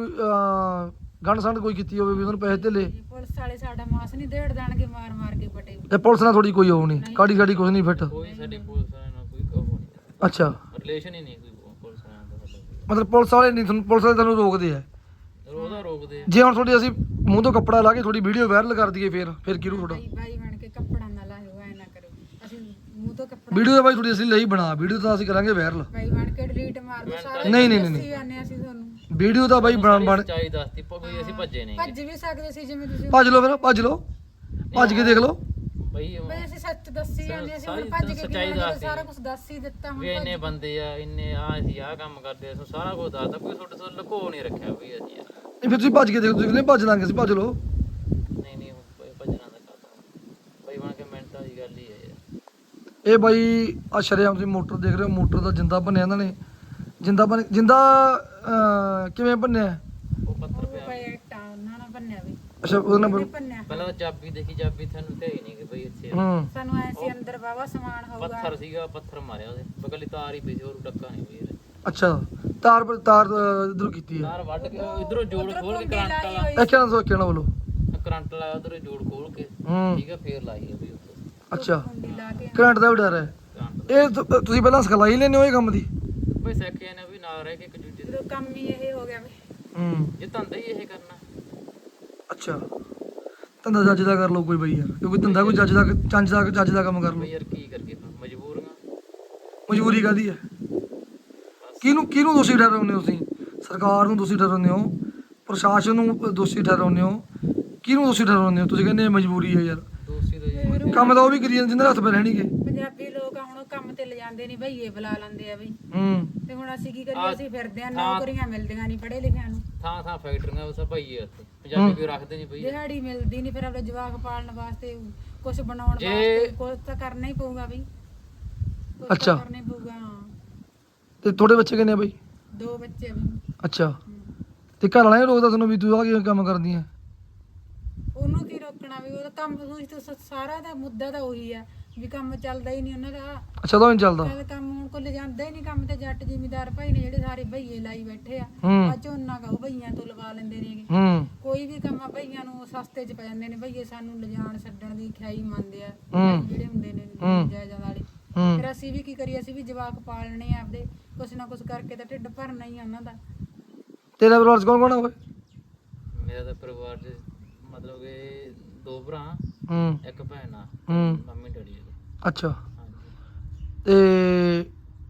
[SPEAKER 1] ਗੰਢ ਸੰਢ ਕੋਈ ਕੀਤੀ ਹੋਵੇ ਵੀ ਉਹਨਾਂ ਨੂੰ ਪੈਸੇ ਧੇਲੇ?
[SPEAKER 2] ਪੁਲਿਸ ਵਾਲੇ ਸਾਡਾ ਮਾਸ ਨਹੀਂ ਦੇੜ ਦੇਣਗੇ, ਮਾਰ ਮਾਰ ਕੇ ਪਟੇ।
[SPEAKER 1] ਤੇ ਪੁਲਿਸ ਨਾਲ ਥੋੜੀ ਕੋਈ ਉਹ ਨਹੀਂ ਕਾੜੀ ਸਾਡੀ ਕੁਝ ਨਹੀਂ ਫਿੱਟ?
[SPEAKER 3] ਕੋਈ ਸਾਡੀ ਪੁਲਿਸ ਵਾਲਿਆਂ ਨਾਲ ਕੋਈ ਕਹੋ ਨਹੀਂ।
[SPEAKER 1] ਅੱਛਾ
[SPEAKER 3] ਰਿਲੇਸ਼ਨ ਹੀ ਨਹੀਂ ਕੋਈ ਪੁਲਿਸ ਵਾਲਿਆਂ ਦਾ ਸਾਡਾ।
[SPEAKER 1] ਮਤਲਬ ਪੁਲਿਸ ਵਾਲੇ ਨਹੀਂ ਤੁਹਾਨੂੰ, ਪੁਲਿਸ ਵਾਲੇ ਤੁਹਾਨੂੰ ਰੋਕਦੇ ਆ?
[SPEAKER 3] ਉਹਦਾ ਰੋਕਦੇ ਆ।
[SPEAKER 1] ਜੇ ਹੁਣ ਤੁਹਾਡੀ ਅਸੀਂ ਮੂੰਹ ਤੋਂ ਕੱਪੜਾ ਲਾ ਕੇ ਤੁਹਾਡੀ ਵੀਡੀਓ ਵਾਇਰਲ ਕਰ ਦਈਏ ਫਿਰ ਫਿਰ ਕਿਹਨੂੰ ਤੁਹਾਡਾ?
[SPEAKER 2] ਬਾਈ ਬਾਈ ਬਣ ਕੇ ਕੱਪੜਾ ਨਾ ਲਾਇਓ, ਐ ਨਾ ਕਰੋ। ਅਸੀਂ ਮੂੰਹ ਤੋਂ ਕੱਪੜਾ
[SPEAKER 1] ਵੀਡੀਓ ਤਾਂ ਬਾਈ ਤੁਹਾਡੀ ਅਸੀਂ ਲਈ ਬਣਾ, ਵੀਡੀਓ ਤਾਂ ਅਸੀਂ ਕਰਾਂਗੇ ਵਾਇਰਲ।
[SPEAKER 2] ਬਾਈ ਬਣ ਕੇ ਡਿਲੀਟ ਮਾਰ ਦੋ ਸਾਰਾ।
[SPEAKER 1] ਨਹੀਂ, ਨਹੀਂ, ਨਹੀਂ,
[SPEAKER 2] ਦੱਸੀ ਜਾਂਦੇ ਹਾਂ ਅਸੀਂ ਤੁਹਾਨੂੰ।
[SPEAKER 1] ਵੀਡੀਓ ਤਾਂ ਬਾਈ ਬਣ ਬਣ
[SPEAKER 3] ਸੱਚਾਈ ਦੱਸਤੀ ਕੋਈ ਅਸੀਂ ਭੱਜੇ ਨਹੀਂ
[SPEAKER 2] ਭੱਜ ਵੀ ਸਕਦੇ ਸੀ ਜਿਵੇਂ ਤੁਸੀਂ।
[SPEAKER 1] ਭੱਜ ਲਓ ਫਿਰ ਭੱਜ ਲਓ ਭੱਜ ਕੇ ਦੇਖ ਲਓ।
[SPEAKER 3] ਬਈ ਉਹ
[SPEAKER 2] ਬਈ ਅਸੀਂ ਸੱਚ ਦੱਸੀ ਜਾਂਦੇ ਸੀ, ਹੁਣ
[SPEAKER 3] ਸਾਰੀ
[SPEAKER 2] ਭੱਜ ਕੇ
[SPEAKER 3] ਸੱਚਾਈ
[SPEAKER 2] ਕੀ ਹੋਣਾ,
[SPEAKER 3] ਦੱਸਦੀ।
[SPEAKER 2] ਸਾਰਾ ਕੁਝ ਦੱਸ ਹੀ ਦਿੱਤਾ। ਹੁਣ
[SPEAKER 3] ਵੀ ਇੰਨੇ ਬੰਦੇ ਆ, ਇੰਨੇ ਆ ਅਸੀਂ ਆਹ ਕੰਮ ਕਰਦੇ ਆ, ਸਾਰਾ ਕੁਝ ਦੱਸਦਾ। ਕੋਈ ਤੁਹਾਡੇ ਤੋਂ ਲੁਕੋ ਨਹੀਂ ਰੱਖਿਆ ਬਈ ਅਸੀਂ ਯਾਰ।
[SPEAKER 1] ਨਹੀਂ ਫਿਰ ਤੁਸੀਂ ਭੱਜ ਕੇ ਦੇਖੋ, ਤੁਸੀਂ ਕਹਿੰਦੇ ਭੱਜ ਲਾਂਗੇ ਅਸੀਂ, ਭੱਜ ਲਓ।
[SPEAKER 3] ਨਹੀਂ ਨਹੀਂ ਉਹ ਭੱਜਣਾ ਦਾ ਕੰਮ ਬਈ ਬਣ ਕੇ ਮਿੰਟਾਂ ਦੀ ਗੱਲ ਹੀ ਹੈ ਯਾਰ।
[SPEAKER 1] ਇਹ ਬਾਈ ਆ ਸ਼ਰੇਆਮ ਤੁਸੀਂ ਮੋਟਰ ਦੇਖ ਰਹੇ ਹੋ, ਮੋਟਰ ਦਾ ਜਿੰਦਾ ਭੰਨਿਆ ਇਹਨਾਂ ਨੇ। ਜਿੰਦਾ ਬਣ ਜਿੰਦਾ ਅਹ, ਕਿਵੇਂ ਭੰਨਿਆ?
[SPEAKER 3] ਉਹ ਪੱਥਰ
[SPEAKER 2] ਉਹ
[SPEAKER 3] ਪਿਆ।
[SPEAKER 2] ਪਏ ਟਾਣਾ ਨਾ ਬੰਨਿਆ ਵੀ
[SPEAKER 1] ਅੱਛਾ ਉਹਦੇ ਨਾਲ
[SPEAKER 2] ਉਹਨੇ
[SPEAKER 1] ਬ-
[SPEAKER 2] ਬੰਨਿਆ।
[SPEAKER 3] ਪਹਿਲਾਂ ਤਾਂ ਚਾਬੀ ਦੇਖੀ, ਚਾਬੀ ਤੁਹਾਨੂੰ ਤੇ ਹੀ ਨਹੀਂ ਕਿ ਬਈ ਇੱਥੇ ਆ।
[SPEAKER 1] ਹੂੰ
[SPEAKER 2] ਸਾਨੂੰ ਐ ਸੀ ਅੰਦਰ ਵਾਵਾ ਸਮਾਨ ਹੋਊਗਾ।
[SPEAKER 3] ਪੱਥਰ ਸੀਗਾ, ਪੱਥਰ ਮਾਰਿਆ ਉਹਦੇ ਬਗਲੀ ਤਾਰ ਹੀ ਪਈ ਸੀ, ਹੋਰ ਡੱਕਾ ਨਹੀਂ ਬਈ ਯਾਰ।
[SPEAKER 1] ਅੱਛਾ ਤਾਰ ਪਰ ਤਾਰ ਇਧਰੋਂ ਕੀਤੀ ਹੈ।
[SPEAKER 3] ਤਾਰ ਵੱਢ ਕੇ ਇਧਰੋਂ ਜੋੜ
[SPEAKER 2] ਉੱਧਰੋਂ
[SPEAKER 3] ਖੋਲ ਕੇ
[SPEAKER 2] ਕੁੰਡੀ
[SPEAKER 3] ਕਰੰਟ
[SPEAKER 2] ਲਾਈ
[SPEAKER 3] ਵਾਲਾ
[SPEAKER 2] ਹੋਈ
[SPEAKER 1] ਇਹ ਕਿਹਨਾਂ ਤੋਂ ਕਿਹਨਾਂ ਬੋਲੋ?
[SPEAKER 3] ਕਰੰਟ ਲਾਇਆ ਉਧਰੋਂ ਜੋੜ ਖੋਲ ਕੇ
[SPEAKER 1] ਹੂੰ
[SPEAKER 3] ਠੀਕ ਆ, ਫੇਰ ਲਾਈ ਆ ਬਈ ਉੱਥੇ
[SPEAKER 1] ਅੱਛਾ
[SPEAKER 2] ਕੁੰਡੀ ਲਾ ਕੇ।
[SPEAKER 1] ਕਰੰਟ ਦਾ ਵੀ ਡਰ ਹੈ?
[SPEAKER 3] ਕਰੰਟ
[SPEAKER 1] ਇਹ ਤੁ- ਤੁਸੀਂ ਪਹਿਲਾਂ ਸਿਖਲਾਈ ਲੈਂਦੇ ਹੋ ਇਹ ਕੰਮ ਦੀ?
[SPEAKER 3] ਬਈ ਸਿੱਖਿਆ ਨੇ ਵੀ ਨਾਲ ਰਹਿ ਕੇ ਇੱਕ ਦੂਜੇ ਦੇ।
[SPEAKER 2] ਜਦੋਂ ਕੰਮ ਹੀ ਇਹ ਹੋ ਗਿਆ ਵੀ।
[SPEAKER 1] ਹੂੰ
[SPEAKER 3] ਇਹ ਧੰਦਾ ਹੀ ਇਹ ਕਰਨਾ।
[SPEAKER 1] ਅੱਛਾ ਧੰਦਾ ਜੱਜ ਦਾ ਕਰ ਲਓ ਕੋਈ ਬਈ ਯਾਰ, ਕਿਉਂਕਿ ਧੰਦਾ ਕੋਈ ਜੱਜ ਦਾ ਚੱਜ ਦਾ ਜੱਜ ਦਾ ਕੰਮ ਕਰ ਲਓ।
[SPEAKER 3] ਬਈ ਯਾਰ ਕੀ ਕਰਕੇ ਫਿਰ ਮਜਬੂਰੀਆਂ।
[SPEAKER 1] ਮਜਬੂਰੀ ਕਾਹਦੀ ਹੈ? ਕਿਹਨੂੰ ਕਿਹਨੂੰ ਦੋਸ਼ੀ ਠਹਿਰਾਉਂਦੇ ਹੋ ਤੁਸੀਂ? ਸਰਕਾਰ ਨੂੰ ਦੋਸ਼ੀ ਠਹਿਰਾਉਂਦੇ ਹੋ, ਪ੍ਰਸ਼ਾਸਨ ਨੂੰ ਦੋਸ਼ੀ ਠਹਿਰਾਉਂਦੇ ਹੋ, ਕਿਹਨੂੰ ਦੋਸ਼ੀ ਠਹਿਰਾਉਂਦੇ ਹੋ? ਤੁਸੀਂ ਕਹਿੰਦੇ ਮਜਬੂਰੀ ਹੈ ਯਾਰ,
[SPEAKER 3] ਦੋਸਤੀ ਦਾ ਜੀ
[SPEAKER 1] ਕੰਮ ਤਾਂ ਉਹ ਵੀ ਕਰੀ ਜਾਂਦੇ ਜਿੰਨਾਂ ਦੇ ਹੱਥ ਪੈ ਰਹਿਣਗੇ।
[SPEAKER 2] ਪੰਜਾਬੀ ਲੋਕ ਆ, ਹੁਣ ਉਹ ਕੰਮ ਤੇ ਲਿਜਾ ਜਾਂਦੇ ਨਹੀਂ ਭਈਏ ਬੁਲਾ ਲੈਂਦੇ ਆ ਬਈ।
[SPEAKER 1] ਹੂੰ
[SPEAKER 2] ਤੇ ਹੁਣ ਅਸੀਂ ਕੀ ਕਰੀਏ, ਅਸੀਂ ਫਿਰਦੇ ਆ, ਨੌਕਰੀਆਂ ਮਿਲਦੀਆਂ ਨਹੀਂ ਪੜ੍ਹੇ ਲਿਖਿਆਂ ਨੂੰ।
[SPEAKER 3] ਥਾਂ ਥਾਂ ਫੈਕਟਰੀਆਂ ਉਸ ਭਈਏ ਉੱਥੇ ਪੰਜਾਬੀ ਕੋਈ ਰੱਖਦੇ ਨਹੀਂ ਬਈ।
[SPEAKER 2] ਦਿਹਾੜੀ ਮਿਲਦੀ ਨਹੀਂ, ਫਿਰ ਆਪਣੇ ਜਵਾਕ ਪਾਲਣ ਵਾਸਤੇ ਕੁਝ ਬਣਾਉਣ ਵਾਸਤੇ ਕੁਝ ਤਾਂ ਕਰਨਾ ਹੀ ਪਊਗਾ ਬਈ। ਕੁਛ
[SPEAKER 1] ਅੱਛਾ।
[SPEAKER 2] ਤਾਂ ਕਰਨਾ ਹੀ ਪਊਗਾ।
[SPEAKER 1] ਤੇ ਤੁਹਾਡੇ ਬੱਚੇ ਕਿੰਨੇ ਆ ਬਈ?
[SPEAKER 2] ਦੋ ਬੱਚੇ ਆ ਬਈ।
[SPEAKER 1] ਅੱਛਾ, ਤੇ ਘਰ ਵਾਲਾ ਨਹੀਂ ਰੋਕਦਾ ਤੁਹਾਨੂੰ ਵੀ ਤੂੰ ਆ ਕੀ ਕੰਮ ਕਰਦੀ ਹੈ?
[SPEAKER 2] ਉਹਨੂੰ ਕੀ ਰੋਕਣਾ ਵੀ, ਉਹਦਾ ਕੰਮ ਤੁਸੀਂ ਤਾਂ ਸ- ਸਾਰਾ ਦਾ ਮੁੱਦਾ ਤਾਂ ਉਹੀ ਆ ਵੀ ਕੰਮ ਚੱਲਦਾ ਹੀ ਨਹੀਂ ਉਹਨਾਂ ਦਾ।
[SPEAKER 1] ਅੱਛਾ, ਤਾਂ ਨਹੀਂ ਚੱਲਦਾ।
[SPEAKER 2] ਚੱਲ ਕੰਮ ਹੁਣ ਕੋਈ ਲਿਜਾਂਦਾ ਹੀ ਨਹੀਂ ਕੰਮ ਤੇ। ਜੱਟ ਜ਼ਿਮੀਦਾਰ ਭਾਈ ਨੇ ਜਿਹੜੇ ਸਾਰੇ ਭਈਏ ਲਾਈ ਬੈਠੇ ਆ,
[SPEAKER 1] ਹੂੰ
[SPEAKER 2] ਆ ਝੋਨਾ ਗਾ ਉਹ ਭਈਆਂ ਤੋਂ ਲਵਾ ਲੈਂਦੇ ਨੇਗੇ।
[SPEAKER 1] ਹੂੰ
[SPEAKER 2] ਕੋਈ ਵੀ ਕੰਮ ਆ ਭਈਆਂ ਨੂੰ ਸਸਤੇ ਚ ਪੈ ਜਾਂਦੇ ਨੇ। ਭਈਏ ਸਾਨੂੰ ਲਿਜਾਣ ਛੱਡਣ ਦੀ ਖਿਆਈ ਮੰਨਦੇ ਆ
[SPEAKER 1] ਹੂੰ।
[SPEAKER 2] ਜਿਹੜੇ ਹੁੰਦੇ ਨੇ
[SPEAKER 1] ਹੂੰ।
[SPEAKER 2] ਜਾਇਦਾਦ ਵਾਲੇ।
[SPEAKER 1] ਹੂੰ
[SPEAKER 2] ਫਿਰ ਅਸੀਂ ਵੀ ਕੀ ਕਰੀਏ, ਅਸੀਂ ਵੀ ਜਵਾਕ ਪਾਲਣੇ ਆ ਆਪਦੇ, ਕੁਛ ਨਾ ਕੁਛ ਕਰਕੇ ਤਾਂ ਢਿੱਡ ਭਰਨਾ ਹੀ ਆ ਉਹਨਾਂ ਦਾ।
[SPEAKER 1] ਤੇਰਾ ਪਰਿਵਾਰ ਚ ਕੌਣ ਕੌਣ ਆ ਓਏ?
[SPEAKER 3] ਮੇਰਾ ਤਾਂ ਪਰਿਵਾਰ ਚ ਮਤਲਬ ਕਿ ਦੋ ਭਰਾ
[SPEAKER 1] ਹੂੰ
[SPEAKER 3] ਇੱਕ ਭੈਣ ਆ,
[SPEAKER 1] ਹੂੰ
[SPEAKER 3] ਮੰਮੀ ਡੈਡੀ ਉਹਦੇ।
[SPEAKER 1] ਅੱਛਾ,
[SPEAKER 3] ਹਾਂਜੀ
[SPEAKER 1] ਤੇ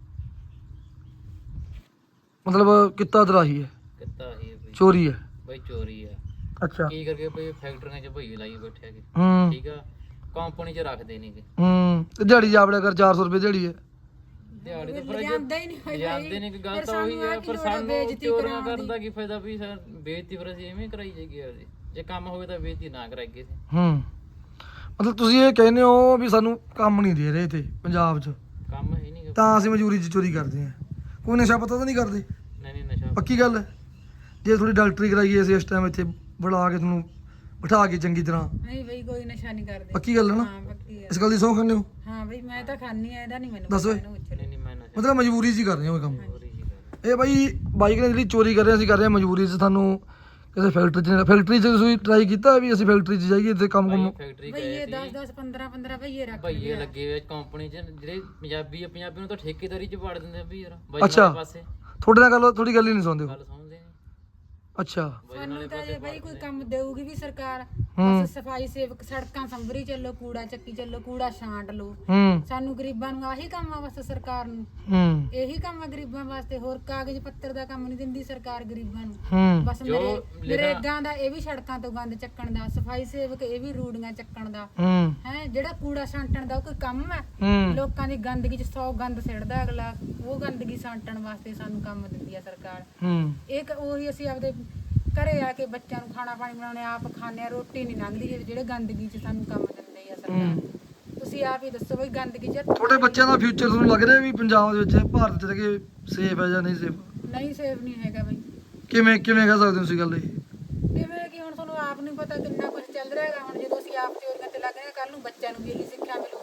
[SPEAKER 1] ਮਤਲਬ ਕਿੱਤਾ ਦਰਾਹੀ ਹੈ,
[SPEAKER 3] ਕਿੱਤਾ ਹੀ ਹੈ ਬਈ।
[SPEAKER 1] ਚੋਰੀ ਹੈ?
[SPEAKER 3] ਬਈ ਚੋਰੀ ਆ।
[SPEAKER 1] ਅੱਛਾ।
[SPEAKER 3] ਕੀ ਕਰਕੇ ਬਈ ਫੈਕਟਰੀਆਂ 'ਚ ਭਈਏ ਲਾਈ ਬੈਠੇ ਹੈਗੇ।
[SPEAKER 1] ਹੂੰ
[SPEAKER 3] ਠੀਕ ਆ, ਕੰਪਨੀ 'ਚ ਰੱਖਦੇ ਨਹੀਂਗੇ।
[SPEAKER 1] ਹੂੰ ਤੇ ਦਿਹਾੜੀ ਜਾਵੜਿਆ ਕਰ, ਚਾਰ ਸੌ ਰੁਪਏ ਦਿਹਾੜੀ ਹੈ।
[SPEAKER 3] ਦਿਹਾੜੀ ਤਾਂ ਫਿਰ
[SPEAKER 2] ਲਿਜਾਂਦਾ ਹੀ ਨਹੀਂ ਹੋਈ
[SPEAKER 3] ਜਾਂਦੇ ਨੇ, ਕਿ ਗੱਲ
[SPEAKER 2] ਫਿਰ
[SPEAKER 3] ਤਾਂ ਉਹੀ
[SPEAKER 2] ਸਾਨੂੰ
[SPEAKER 3] ਹੈ।
[SPEAKER 2] ਆਹ ਕੀ
[SPEAKER 3] ਪਰ
[SPEAKER 2] ਲੋੜ ਆ
[SPEAKER 3] ਸਾਨੂੰ
[SPEAKER 2] ਬੇਇੱਜ਼ਤੀ
[SPEAKER 3] ਚੋਰੀਆਂ
[SPEAKER 2] ਕਰਾਉਣ
[SPEAKER 3] ਕਰਨ ਦਾ ਕੀ ਫਾਇਦਾ ਵੀ ਸਰ, ਬੇਇੱਜ਼ਤੀ ਫਿਰ ਅਸੀਂ ਐਵੇਂ ਕਰਾਈ ਜਾਈਏ ਆਪਦੀ। ਜੇ ਕੰਮ ਹੋਵੇ ਤਾਂ ਬੇਇੱਜ਼ਤੀ ਨਾ ਕਰਾਈਏ ਅਸੀਂ।
[SPEAKER 1] ਹੂੰ ਮਤਲਬ ਤੁਸੀਂ ਇਹ ਕਹਿੰਦੇ ਹੋ ਵੀ ਸਾਨੂੰ ਕੰਮ ਨਹੀਂ ਦੇ ਰਹੇ ਇੱਥੇ ਪੰਜਾਬ 'ਚ,
[SPEAKER 3] ਕੰਮ ਹੈ ਨਹੀਂ।
[SPEAKER 1] ਤਾਂ ਅਸੀਂ ਮਜ਼ਦੂਰੀ 'ਚ ਚੋਰੀ ਕਰਦੇ ਹਾਂ। ਕੋਈ ਨਸ਼ਾ ਪਤਾ ਤਾਂ ਨਹੀਂ ਕਰਦੇ?
[SPEAKER 3] ਨਹੀਂ ਨਹੀਂ ਨਸ਼ਾ
[SPEAKER 1] ਪੱਕੀ ਗੱਲ ਹੈ? ਜੇ ਥੋੜੀ ਡਾਕਟਰੀ ਕਰਾਈਏ ਅਸੀਂ ਇਸ ਟਾਈਮ ਇੱਥੇ ਬੁਲਾ ਕੇ ਤੁਹਾਨੂੰ ਬਿਠਾ ਕੇ ਚੰਗੀ ਤਰ੍ਹਾਂ,
[SPEAKER 2] ਨਹੀਂ ਬਈ ਕੋਈ ਨਸ਼ਾ ਨਹੀਂ ਕਰਦੇ।
[SPEAKER 1] ਪੱਕੀ ਗੱਲ ਹੈ ਨਾ?
[SPEAKER 2] ਹਾਂ ਪੱਕੀ ਗੱਲ।
[SPEAKER 1] ਇਸ ਗੱਲ ਦੀ ਸਹੁੰ ਖਾਂਦੇ ਹੋ?
[SPEAKER 2] ਹਾਂ ਬਈ ਮੈਂ ਤਾਂ ਖਾਣੀ ਆ, ਇਹਦਾ ਨਹੀਂ ਮੈਨੂੰ
[SPEAKER 1] ਦੱਸ ਓਏ।
[SPEAKER 2] ਪਤਾ, ਇਹਨੂੰ ਪੁੱਛ
[SPEAKER 3] ਨਹੀਂ
[SPEAKER 2] ਲੈ।
[SPEAKER 3] ਨਹੀਂ ਮੈਂ ਨਸ਼ਾ
[SPEAKER 1] ਮਤਲਬ ਮਜਬੂਰੀ 'ਚ ਹੀ ਕਰ ਰਹੇ ਹੋ ਇਹ ਕੰਮ?
[SPEAKER 3] ਚੋਰੀ ਜੀ ਕਰ।
[SPEAKER 1] ਇਹ ਬਾਈ ਬਾਈਕ ਨੇ ਜਿਹੜੀ ਚੋਰੀ ਕਰ ਰਹੇ ਅਸੀਂ ਕਰ ਰਹੇ ਹਾਂ ਮਜਬੂਰੀ 'ਚ। ਸਾਨੂੰ ਕਿਸੇ ਫੈਕਟਰੀ 'ਚ ਫੈਕਟਰੀ 'ਚ ਤੁਸੀਂ ਟਰਾਈ ਕੀਤਾ ਵੀ ਅਸੀਂ ਫੈਕਟਰੀ 'ਚ ਜਾਈਏ ਤੇ ਕੰਮ ਕੰਮ?
[SPEAKER 3] ਫੈਕਟਰੀ
[SPEAKER 2] ਭਈਏ
[SPEAKER 3] ਗਏ
[SPEAKER 2] ਦਸ
[SPEAKER 3] ਸੀ,
[SPEAKER 2] ਦਸ ਪੰਦਰਾਂ ਪੰਦਰਾਂ ਭਈਏ ਰੱਖ
[SPEAKER 3] ਭਈਏ ਲੱਗੇ ਹੋਏ ਕੰਪਨੀ 'ਚ। ਜਿਹੜੇ ਪੰਜਾਬੀ ਆ, ਪੰਜਾਬੀ ਨੂੰ ਤਾਂ ਠੇਕੇਦਾਰੀ 'ਚ ਵਾੜ ਦਿੰਦੇ ਆ ਵੀ ਯਾਰ ਬਾਈ
[SPEAKER 1] ਅੱਛਾ।
[SPEAKER 3] ਵਾਲੇ ਪਾਸੇ।
[SPEAKER 1] ਤੁਹਾਡੇ ਨਾਲ ਗੱਲ ਥੋੜੀ ਗੱਲ ਹੀ ਨਹੀਂ ਸੁਣਦੇ ਹੋ?
[SPEAKER 3] ਗੱਲ ਸੁਣਦੇ ਨੇ
[SPEAKER 1] ਅੱਛਾ।
[SPEAKER 3] ਬਾਈ
[SPEAKER 2] ਸਾਨੂੰ
[SPEAKER 3] ਵਾਲੇ
[SPEAKER 2] ਤਾਂ ਜੇ
[SPEAKER 3] ਪਾਸੇ
[SPEAKER 2] ਬਈ ਕੋਈ ਕੰਮ ਦੇਊਗੀ ਵੀ ਸਰਕਾਰ,
[SPEAKER 1] ਹੂੰ।
[SPEAKER 2] ਬਸ ਸਫਾਈ ਸੇਵਕ ਸੜਕਾਂ ਸੰਭਰੀ ਚੱਲੋ, ਕੂੜਾ ਚੱਕੀ ਚੱਲੋ, ਕੂੜਾ ਛਾਂਟ ਲਓ।
[SPEAKER 1] ਹੂੰ
[SPEAKER 2] ਸਾਨੂੰ ਗਰੀਬਾਂ ਨੂੰ ਆਹੀ ਕੰਮ ਆ ਬਸ ਸਰਕਾਰ ਨੂੰ।
[SPEAKER 1] ਹੂੰ
[SPEAKER 2] ਇਹੀ ਕੰਮ ਆ ਗਰੀਬਾਂ ਵਾਸਤੇ, ਹੋਰ ਕਾਗਜ਼ ਪੱਤਰ ਦਾ ਕੰਮ ਨਹੀਂ ਦਿੰਦੀ ਸਰਕਾਰ ਗਰੀਬਾਂ ਨੂੰ।
[SPEAKER 1] ਹੂੰ
[SPEAKER 2] ਬਸ
[SPEAKER 3] ਜੋ
[SPEAKER 2] ਮੇਰੇ ਨਰੇਗਾ ਦਾ ਇਹ ਵੀ ਸੜਕਾਂ ਤੋਂ ਗੰਦ ਚੱਕਣ ਦਾ, ਸਫਾਈ ਸੇਵਕ ਇਹ ਵੀ ਰੂੜੀਆਂ ਚੱਕਣ ਦਾ
[SPEAKER 1] ਹੂੰ
[SPEAKER 2] ਹੈ। ਜਿਹੜਾ ਕੂੜਾ ਛਾਂਟਣ ਦਾ ਉਹ ਕੋਈ ਕੰਮ ਹੈ?
[SPEAKER 1] ਹੂੰ
[SPEAKER 2] ਲੋਕਾਂ ਦੀ ਗੰਦਗੀ ਚ ਸੌ ਗੰਦ ਸਿੱਟਦਾ ਅਗਲਾ, ਉਹ ਗੰਦਗੀ ਛਾਂਟਣ ਵਾਸਤੇ ਸਾਨੂੰ ਕੰਮ ਦਿੰਦੀ ਆ ਸਰਕਾਰ।
[SPEAKER 1] ਹੂੰ
[SPEAKER 2] ਇਹ ਕ- ਉਹੀ ਅਸੀਂ ਆਪਦੇ ਘਰੇ ਆ ਕੇ ਬੱਚਿਆਂ ਨੂੰ ਖਾਣਾ ਪਾਣੀ ਬਣਾਉਣੇ ਆਪ ਖਾਣੇ ਆ, ਰੋਟੀ ਨਹੀਂ ਲੰਘਦੀ ਜਿਹੜੇ ਗੰਦਗੀ ਚ ਸਾਨੂੰ ਕੰਮ ਦਿੰਦੇ ਆ ਸਰਕਾਰ। ਤੁਸੀਂ ਆਪ ਹੀ ਦੱਸੋ ਬਈ ਗੰਦਗੀ ਚ
[SPEAKER 1] ਤੁਹਾਡੇ ਬੱਚਿਆਂ ਦਾ ਫਿਊਚਰ ਤੁਹਾਨੂੰ ਲੱਗ ਰਿਹਾ ਵੀ ਪੰਜਾਬ ਦੇ ਵਿੱਚ ਭਾਰਤ 'ਚ ਰਹਿ ਕੇ ਸੇਫ ਹੈ ਜਾਂ ਨਹੀਂ ਸੇਫ?
[SPEAKER 2] ਨਹੀਂ ਸੇਫ ਨਹੀਂ ਹੈਗਾ ਬਈ।
[SPEAKER 1] ਕਿਵੇਂ ਕਿਵੇਂ ਕਹਿ ਸਕਦੇ ਹੋ ਤੁਸੀਂ ਗੱਲ ਇਹ?
[SPEAKER 2] ਕਿਵੇਂ ਕਿ ਹੁਣ ਤੁਹਾਨੂੰ ਆਪ ਨਹੀਂ ਪਤਾ ਕਿੰਨਾ ਕੁਝ ਚੱਲ ਰਿਹਾ ਹੈਗਾ। ਹੁਣ ਜਦੋਂ ਅਸੀਂ ਆਪ ਚੋਰੀਆਂ ਤੇ ਲੱਗ ਰਹੇ ਹਾਂ, ਕੱਲ ਨੂੰ ਬੱਚਿਆਂ ਨੂੰ ਵੀ ਇਹੀ ਸਿੱਖਿਆ ਮਿਲੂ।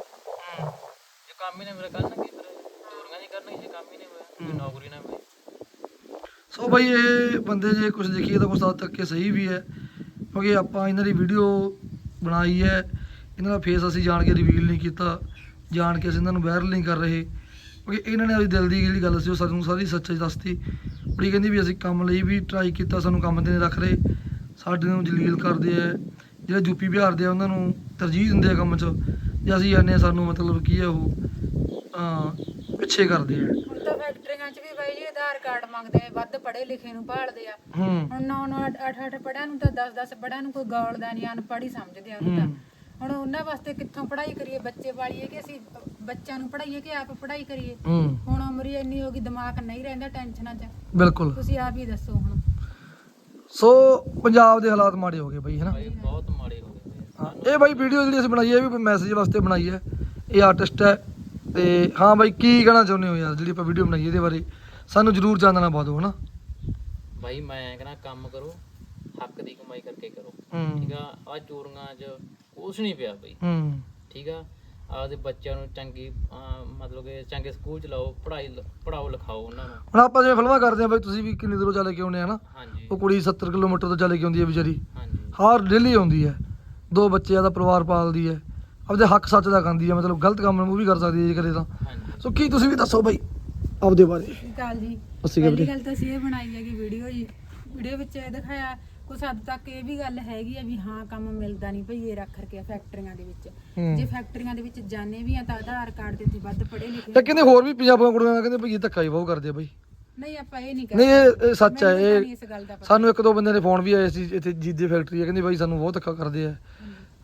[SPEAKER 3] ਜੇ ਕੰਮ ਹੀ ਨਾ ਮੇਰੇ ਕਰਨਗੇ ਫਿਰ ਚੋਰੀਆਂ ਨਹੀਂ ਕਰਨਗੇ। ਜੇ ਕੰਮ ਹੀ ਨਹੀਂ ਹੋਇਆ ਕੋਈ ਨੌਕਰੀ ਨਾ ਮਿਲੇ।
[SPEAKER 1] ਸੋ ਬਈ ਇਹ ਬੰਦੇ ਜੇ ਕੁਝ ਦੇਖੀਏ ਤਾਂ ਕੁਛ ਹੱਦ ਤੱਕ ਇਹ ਸਹੀ ਵੀ ਹੈ, ਕਿਉਂਕਿ ਆਪਾਂ ਇਹਨਾਂ ਦੀ ਵੀਡੀਓ ਬਣਾਈ ਹੈ, ਇਹਨਾਂ ਦਾ ਫੇਸ ਅਸੀਂ ਜਾਣ ਕੇ ਰਿਵੀਲ ਨਹੀਂ ਕੀਤਾ, ਜਾਣ ਕੇ ਅਸੀਂ ਇਹਨਾਂ ਨੂੰ ਵਾਇਰਲ ਨਹੀਂ ਕਰ ਰਹੇ, ਕਿਉਂਕਿ ਇਹਨਾਂ ਨੇ ਆਪਣੀ ਦਿਲ ਦੀ ਜਿਹੜੀ ਗੱਲ ਸੀ ਉਹ ਸਾਨੂੰ ਸਾਰੀ ਸੱਚਾਈ ਦੱਸਤੀ। ਕੁੜੀ ਕਹਿੰਦੀ ਵੀ ਅਸੀਂ ਕੰਮ ਲਈ ਵੀ ਟਰਾਈ ਕੀਤਾ, ਸਾਨੂੰ ਕੰਮ ਤੇ ਨਹੀਂ ਰੱਖ ਰਹੇ, ਸਾਡੇ ਨੂੰ ਜਲੀਲ ਕਰਦੇ ਆ। ਜਿਹੜੇ ਯੂਪੀ ਬਿਹਾਰ ਦੇ ਆ ਉਹਨਾਂ ਨੂੰ ਤਰਜੀਹ ਦਿੰਦੇ ਆ ਕੰਮ 'ਚ, ਜੇ ਅਸੀਂ ਜਾਂਦੇ ਹਾਂ ਸਾਨੂੰ ਮਤਲਬ ਕੀ ਹੈ ਉਹ ਅਹ, ਪਿੱਛੇ ਕਰਦੇ ਆ।
[SPEAKER 2] ਹੁਣ ਤਾਂ ਫੈਕਟਰੀਆਂ 'ਚ ਵੀ ਬਾਈ ਜੀ ਆਧਾਰ ਕਾਰਡ ਮੰਗਦੇ ਆ, ਵੱਧ ਪੜ੍ਹੇ ਲਿਖੇ ਨੂੰ ਭਾਲਦੇ ਆ।
[SPEAKER 1] ਹੂੰ
[SPEAKER 2] ਹੁਣ ਨੌ ਨੌ ਅੱਠ ਅੱਠ ਪੜ੍ਹਿਆ ਨੂੰ ਤਾਂ ਦਸ ਦਸ ਪੜ੍ਹਿਆ ਨੂੰ ਕੋਈ ਗੌਲਦਾ ਨਹੀਂ, ਅਨਪੜ੍ਹ ਹੀ ਸਮਝਦੇ ਆ ਉਹਨੂੰ ਤਾਂ। ਹੁਣ ਉਹਨਾਂ ਵਾਸਤੇ ਕਿੱਥੋਂ ਪੜ੍ਹਾਈ ਕਰੀਏ, ਬੱਚੇ ਪਾਲੀਏ ਕਿ ਅਸੀਂ ਬੱਚਿਆਂ ਨੂੰ ਪੜ੍ਹਾਈਏ ਕਿ ਆਪ ਪੜ੍ਹਾਈ ਕਰੀਏ?
[SPEAKER 1] ਹੂੰ
[SPEAKER 2] ਹੁਣ ਉਮਰ ਹੀ ਇੰਨੀ ਹੋ ਗਈ, ਦਿਮਾਗ ਨਹੀਂ ਰਹਿੰਦਾ ਟੈਨਸ਼ਨਾਂ 'ਚ।
[SPEAKER 1] ਬਿਲਕੁਲ।
[SPEAKER 2] ਤੁਸੀਂ ਆਪ ਹੀ ਦੱਸੋ ਹੁਣ।
[SPEAKER 1] ਸੋ ਪੰਜਾਬ ਦੇ ਹਾਲਾਤ ਮਾੜੇ ਹੋ ਗਏ ਬਈ, ਹੈਨਾ?
[SPEAKER 3] ਬਾਈ ਬਹੁਤ ਮਾੜੇ ਹੋ ਗਏ ਬਈ।
[SPEAKER 1] ਹਾਂ, ਇਹ ਬਾਈ ਵੀਡੀਓ ਜਿਹੜੀ ਅਸੀਂ ਬਣਾਈ ਹੈ ਇਹ ਵੀ ਮੈਸੇਜ ਵਾਸਤੇ ਬਣਾਈ ਹੈ। ਇਹ ਆਰਟਿਸਟ ਹੈ ਤੇ ਹਾਂ ਬਾਈ ਕੀ ਕਹਿਣਾ ਚਾਹੁੰਦੇ ਹੋ ਯਾਰ, ਜਿਹੜੀ ਆਪਾਂ ਵੀਡੀਓ ਬਣਾਈ ਇਹਦੇ ਬਾਰੇ ਸਾਨੂੰ ਜ਼ਰੂਰ ਚਾਨਣਾ ਪਾ ਦਿਓ, ਹਨਾ?
[SPEAKER 3] ਬਾਈ ਮੈਂ ਕਹਿੰਦਾ ਕੰਮ ਕਰੋ, ਹੱਕ ਦੀ ਕਮਾਈ ਕਰਕੇ ਕਰੋ।
[SPEAKER 1] ਹੂੰ
[SPEAKER 3] ਠੀਕ ਆ, ਆ ਚੋਰੀਆਂ 'ਚ ਕੁਛ ਨਹੀਂ ਪਿਆ ਬਈ।
[SPEAKER 1] ਹੂੰ
[SPEAKER 3] ਠੀਕ ਆ, ਆਪਦੇ ਬੱਚਿਆਂ ਨੂੰ ਚੰਗੀ ਅਹ ਮਤਲਬ ਕਿ ਚੰਗੇ ਸਕੂਲ ਚ ਲਾਓ, ਪੜ੍ਹਾਈ ਲ- ਪੜ੍ਹਾਓ ਲਿਖਾਓ ਉਹਨਾਂ ਨੂੰ।
[SPEAKER 1] ਹੁਣ ਆਪਾਂ ਜਿਵੇਂ ਫਿਲਮਾਂ ਕਰਦੇ ਹਾਂ ਬਾਈ, ਤੁਸੀਂ ਵੀ ਕਿੰਨੀ ਦੂਰੋਂ ਚੱਲ ਕੇ ਆਉਂਦੇ ਆ ਨਾ?
[SPEAKER 3] ਹਾਂਜੀ
[SPEAKER 1] ਉਹ ਕੁੜੀ ਸੱਤਰ ਕਿਲੋਮੀਟਰ ਤੋਂ ਚੱਲ ਕੇ ਆਉਂਦੀ ਹੈ ਵਿਚਾਰੀ,
[SPEAKER 3] ਹਾਂਜੀ
[SPEAKER 1] ਹਰ ਡੇਲੀ ਆਉਂਦੀ ਹੈ, ਦੋ ਬੱਚਿਆਂ ਦਾ ਪਰਿਵਾਰ ਪਾਲਦੀ ਹੈ, ਆਪਦੇ ਹੱਕ ਸੱਚ ਦਾ ਖਾਂਦੀ ਹੈ, ਮਤਲਬ ਗਲਤ ਕੰਮ ਨੂੰ ਵੀ ਕਰ ਸਕਦੀ ਹੈ ਜੇ ਕਰੇ ਤਾਂ।
[SPEAKER 3] ਹਾਂਜੀ
[SPEAKER 1] ਸੋ ਕੀ ਤੁਸੀਂ ਵੀ ਦੱਸੋ ਬਾਈ ਆਪਦੇ ਬਾਰੇ।
[SPEAKER 2] ਕਾਲ ਜੀ,
[SPEAKER 1] ਅਸੀਂ ਕਿਹਾ
[SPEAKER 2] ਪਹਿਲੀ
[SPEAKER 1] ਵੀਰੇ।
[SPEAKER 2] ਗੱਲ ਤਾਂ ਅਸੀਂ ਇਹ ਬਣਾਈ ਹੈਗੀ ਵੀਡੀਓ ਜੀ। ਵੀਡੀਓ ਵਿੱਚ ਇਹ ਦਿਖਾਇਆ ਕੁਛ ਹੱਦ ਤੱਕ ਇਹ ਵੀ ਗੱਲ ਹੈਗੀ ਆ ਵੀ ਹਾਂ ਕੰਮ ਮਿਲਦਾ ਨਹੀਂ ਭਈਏ ਰੱਖ ਰਕੇ ਫੈਕਟਰੀਆਂ ਦੇ ਵਿੱਚ।
[SPEAKER 1] ਹੂੰ।
[SPEAKER 2] ਜੇ ਫੈਕਟਰੀਆਂ ਦੇ ਵਿੱਚ ਜਾਣੇ ਵੀ ਆ ਤਾਂ ਆਧਾਰ ਕਾਰਡ ਤੇ ਇੱਥੇ ਵੱਧ ਪੜ੍ਹੇ ਲਿਖੇ
[SPEAKER 1] ਤੇ ਕਹਿੰਦੇ ਹੋਰ ਵੀ ਪੰਜਾਬੀਆਂ ਕੁੜੀਆਂ ਨਾਲ ਕਹਿੰਦੇ ਭਈ ਇਹ ਧੱਕਾ ਹੀ ਬਹੁਤ ਕਰਦੇ ਆ ਬਾਈ।
[SPEAKER 2] ਨਹੀਂ ਆਪਾਂ ਇਹ ਨਹੀਂ
[SPEAKER 1] ਨਹੀਂ
[SPEAKER 2] ਕਰਦੇ।
[SPEAKER 1] ਇਹ ਇਹ ਸੱਚ ਹੈ।
[SPEAKER 2] ਮੈਨੂੰ ਤਾਂ
[SPEAKER 1] ਇਹ
[SPEAKER 2] ਨਹੀਂ ਇਸ ਗੱਲ ਦਾ ਪਤਾ।
[SPEAKER 1] ਸਾਨੂੰ ਇੱਕ ਦੋ ਬੰਦੇ ਨੇ ਫੋਨ ਵੀ ਆਏ ਸੀ ਇੱਥੇ ਜੀਦੇ ਫੈਕਟਰੀ ਹੈ, ਕਹਿੰਦੇ ਬਾਈ ਸਾਨੂੰ ਬਹੁਤ ਧੱਕਾ ਕਰਦੇ ਆ।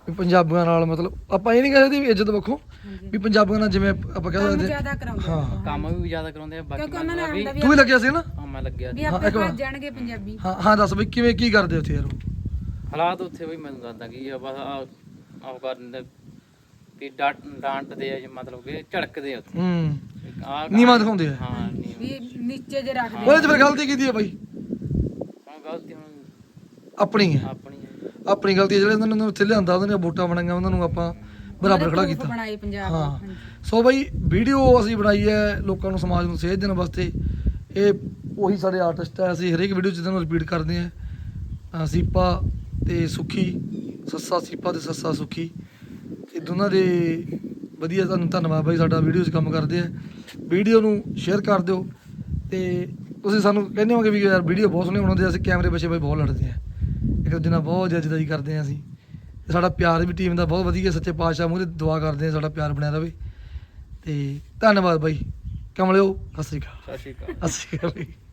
[SPEAKER 1] ਵੀ ਪੰਜਾਬੀਆਂ ਨਾਲ ਮਤਲਬ ਆਪਾਂ ਇਹ ਨਹੀਂ ਕਹਿੰਦੇ ਵੀ ਇੱਜ਼ਤ ਵੱਖੋਂ ਵੀ ਪੰਜਾਬੀਆਂ ਨਾਲ ਜਿਵੇਂ ਆਪਾਂ ਕਹਿ
[SPEAKER 2] ਕੰਮ
[SPEAKER 1] ਸਕਦੇ
[SPEAKER 2] ਜ਼ਿਆਦਾ ਕਰਾਉਂਦੇ
[SPEAKER 1] ਹਾਂ।
[SPEAKER 2] ਆ।
[SPEAKER 3] ਕੰਮ ਵੀ ਜ਼ਿਆਦਾ ਕਰਾਉਂਦੇ ਆ ਬਾਕੀ
[SPEAKER 2] ਕਿਉਂਕਿ ਉਹਨਾਂ ਨੇ
[SPEAKER 3] ਮਤਲਬ ਵੀ
[SPEAKER 2] ਆਉਂਦਾ ਵੀ
[SPEAKER 1] ਤੂੰ ਵੀ ਲੱਗਿਆ ਸੀ ਨਾ
[SPEAKER 3] ਹਾਂ ਮੈਂ ਲੱਗਿਆ
[SPEAKER 2] ਵੀ
[SPEAKER 3] ਸੀ।
[SPEAKER 2] ਆਪੇ
[SPEAKER 1] ਇੱਕ ਵਾਰ।
[SPEAKER 2] ਭੱਜ ਜਾਣਗੇ ਪੰਜਾਬੀ।
[SPEAKER 1] ਹਾਂ ਹਾਂ ਦੱਸ ਬਈ ਕਿਵੇਂ ਕੀ ਕਰਦੇ ਉੱਥੇ ਯਾਰ ਉਹ?
[SPEAKER 3] ਹਾਲਾਤ ਉੱਥੇ ਵੀ ਮੈਨੂੰ ਦੱਸਦਾ ਕੀ ਆ ਬਸ ਆਹ ਉਹ ਕਰਦੇ ਵੀ ਡਾਂਟ ਡਾਂਟਦੇ ਆ ਜੀ, ਮਤਲਬ ਕਿ ਝੜਕਦੇ ਆ ਉੱਥੇ
[SPEAKER 1] ਹੂੰ
[SPEAKER 3] ਆਹ
[SPEAKER 1] ਨੀਵਾਂ ਦਿਖਾਉਂਦੇ ਆ।
[SPEAKER 3] ਹਾਂ ਨੀਵਾਂ।
[SPEAKER 2] ਵੀ ਨੀਚੇ ਜੇ ਰੱਖਦੇ
[SPEAKER 1] ਉਹਦੇ ਚ ਫਿਰ ਗਲਤੀ ਕੀਤੀ ਹੈ ਬਾਈ?
[SPEAKER 3] ਹੁਣ ਗਲਤੀ ਹੁਣ
[SPEAKER 1] ਆਪਣੀ ਹੈ,
[SPEAKER 3] ਆਪਣੀ ਹੈ।
[SPEAKER 1] ਆਪਣੀ ਗਲਤੀ ਹੈ। ਜਿਹੜੇ ਉਹਨਾਂ ਨੂੰ ਉੱਥੇ ਲਿਆਂਦਾ ਉਹਨਾਂ ਦੀਆਂ ਵੋਟਾਂ ਬਣਾਈਆਂ ਉਹਨਾਂ ਨੂੰ ਆਪਾਂ ਬਰਾਬਰ ਖੜਾ ਕੀਤਾ।
[SPEAKER 2] ਬਣਾਏ ਪੰਜਾਬ
[SPEAKER 1] ਹਾਂ
[SPEAKER 2] ਹਾਂਜੀ।
[SPEAKER 1] ਸੋ ਬਾਈ ਵੀਡੀਓ ਅਸੀਂ ਬਣਾਈ ਹੈ ਲੋਕਾਂ ਨੂੰ ਸਮਾਜ ਨੂੰ ਸੇਧ ਦੇਣ ਵਾਸਤੇ। ਇਹ ਉਹੀ ਸਾਡੇ ਆਰਟਿਸਟ ਹੈ, ਅਸੀਂ ਹਰੇਕ ਵੀਡੀਓ 'ਚ ਇਹਨਾਂ ਨੂੰ ਰਿਪੀਟ ਕਰਦੇ ਹਾਂ। ਅਹ ਸੀਪਾ ਤੇ ਸੁੱਖੀ, ਸੱਸਾ ਸੀਪਾ ਤੇ ਸੱਸਾ ਸੁੱਖੀ, ਇਹ ਦੋਨਾਂ ਦੇ ਵਧੀਆ ਤੁਹਾਨੂੰ ਧੰਨਵਾਦ ਬਾਈ, ਸਾਡਾ ਵੀਡੀਓ 'ਚ ਕੰਮ ਕਰਦੇ ਆ। ਵੀਡੀਓ ਨੂੰ ਸ਼ੇਅਰ ਕਰ ਦਿਓ ਤੇ ਤੁਸੀਂ ਸਾਨੂੰ ਕਹਿੰਦੇ ਹੋਗੇ ਵੀ ਯਾਰ ਵੀਡੀਓ ਬਹੁਤ ਸੋਹਣੇ ਬਣਾਉਂਦੇ ਆ। ਅਸੀਂ ਕੈਮਰੇ ਪਿੱਛੇ ਬਾਈ ਬਹੁਤ ਲੜਦੇ ਆ, ਇੱਕ ਦੂਜੇ ਨਾਲ ਬਹੁਤ ਜੱਜਦਾਈ ਕਰਦੇ ਆ ਅਸੀਂ। ਤੇ ਸਾਡਾ ਪਿਆਰ ਵੀ ਟੀਮ ਦਾ ਬਹੁਤ ਵਧੀਆ, ਸੱਚੇ ਪਾਤਸ਼ਾਹ ਮੂਹਰੇ ਦੁਆ ਕਰਦੇ ਆ ਸਾਡਾ ਪਿਆਰ ਬਣਿਆ ਰਵੇ। ਤੇ ਧੰਨਵਾਦ ਬਾਈ ਕਮਲਿਓ, ਸਤਿ ਸ਼੍ਰੀ ਅਕਾਲ।
[SPEAKER 3] ਸਤਿ ਸ਼੍ਰੀ ਅਕਾਲ।
[SPEAKER 1] ਸਤਿ ਸ਼੍ਰੀ ਅਕਾਲ ਬਾਈ।